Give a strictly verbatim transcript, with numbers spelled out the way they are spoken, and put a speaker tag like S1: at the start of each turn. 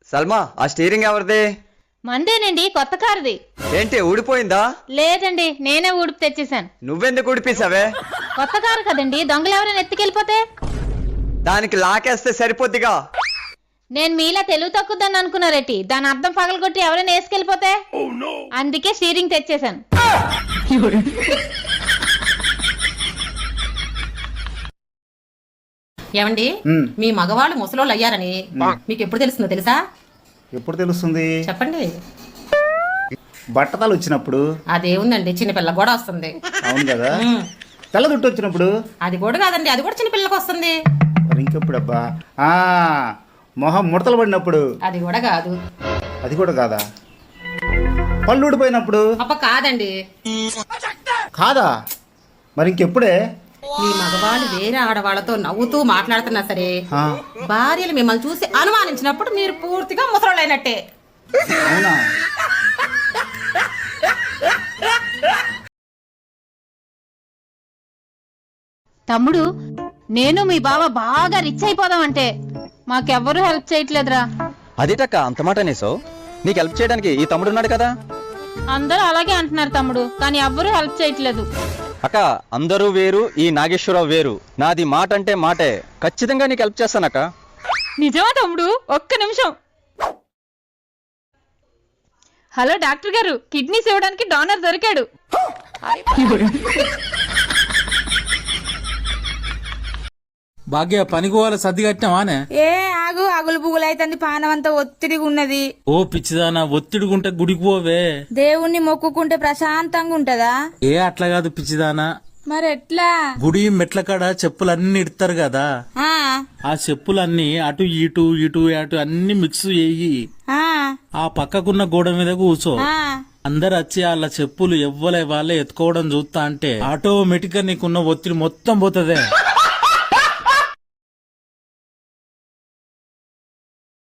S1: సల్మా ఆ స్టీరింగ్ ఎవరిది?
S2: మందేనండి, కొత్త కారుది.
S1: ఏంటి ఊడిపోయిందా?
S2: లేదండి, నేనే ఊడిపి తెచ్చేసాను.
S1: నువ్వెందుకు ఊడిపేసావే?
S2: కొత్త కారు కదండి, దొంగలు ఎవరైనా ఎత్తుకెళ్ళిపోతే
S1: దానికి లాకేస్తే సరిపోద్దిగా.
S2: నేను మీలా తెలుగు తక్కువదని అనుకున్నారేటి? దాని అర్థం పగలగొట్టి ఎవరైనా వేసుకెళ్ళిపోతే అందుకే స్టీరింగ్ తెచ్చేసాను.
S3: ఏమండి, మీ మగవాళ్ళు ముసలోళ్ళు అయ్యారని మీకు ఎప్పుడు తెలుస్తుందో తెలుసా?
S4: ఎప్పుడు తెలుస్తుంది
S3: చెప్పండి.
S4: బట్టతలు వచ్చినప్పుడు.
S3: అదేముందండి, చిన్నపిల్ల కూడా వస్తుంది.
S4: అవును కదా. తెల్ల దుట్టు వచ్చినప్పుడు.
S3: అది కూడా కాదండి, అది కూడా చిన్నపిల్లకి వస్తుంది.
S4: మరి ఇంకెప్పుడు అబ్బా? ఆ మొహం ముడతలు పడినప్పుడు.
S3: అది కూడా కాదు.
S4: అది కూడా కాదా? పళ్ళు ఊడిపోయినప్పుడు.
S3: అప్ప కాదండి.
S4: కాదా? మరి ఇంకెప్పుడే?
S3: మీ మగవాళ్ళు వేరే ఆడవాళ్ళతో నవ్వుతూ మాట్లాడుతున్నా సరే భార్యలు మిమ్మల్ని చూసి అనుమానించినప్పుడు మీరు పూర్తిగా ముసలోళ్ళు అయినట్టే.
S4: అవునా?
S2: తమ్ముడు, నేను మీ బావ బాగా రిచ్ అయిపోదామంటే మాకెవ్వరూ హెల్ప్ చేయట్లేదురా.
S1: అదేటక్క అంత మాట అనేసావు? నీకు హెల్ప్ చేయడానికి ఈ తమ్ముడు ఉన్నాడు కదా.
S2: అందరూ అలాగే అంటున్నారు తమ్ముడు, కానీ ఎవ్వరూ హెల్ప్ చేయట్లేదు.
S1: అక్క అందరూ వేరు, ఈ నాగేశ్వరరావు వేరు. నాది మాట అంటే మాటే. ఖచ్చితంగా నీకు హెల్ప్ చేస్తానక్క.
S2: నిజమా తమ్ముడు? ఒక్క నిమిషం. హలో డాక్టర్ గారు, కిడ్నీస్ ఇవ్వడానికి డోనర్ దొరికాడు.
S5: భాగ్య పనికి పోవాలి, సర్ది కట్టినావానే?
S6: ఏ ఆగు, అగులు పుగులు అయితుంది, పానం అంతా ఒత్తిడిగా ఉన్నది.
S5: ఓ పిచ్చిదానా, ఒత్తిడిగుంటే గుడికి పోవే.
S6: దేవుణ్ణి మొక్కుకుంటే ప్రశాంతంగా ఉంటదా?
S5: ఏ అట్లా కాదు పిచ్చిదానా.
S6: మరి ఎట్లా?
S5: గుడి మెట్ల కాడ చెప్పులన్నీ ఇడతారు కదా,
S6: ఆ
S5: ఆ చెప్పులన్నీ అటు ఇటు ఇటు అటు అన్ని మిక్స్ చేయి.
S6: ఆ
S5: ఆ పక్కకున్న గోడ మీద కూర్చో.
S6: ఆ
S5: అందరు వచ్చి వాళ్ళ చెప్పులు ఎవ్వలే వాళ్ళే ఎత్తుకోవడం చూస్తా అంటే ఆటోమేటిక్ గా నీకున్న ఒత్తిడి మొత్తం పోతదే.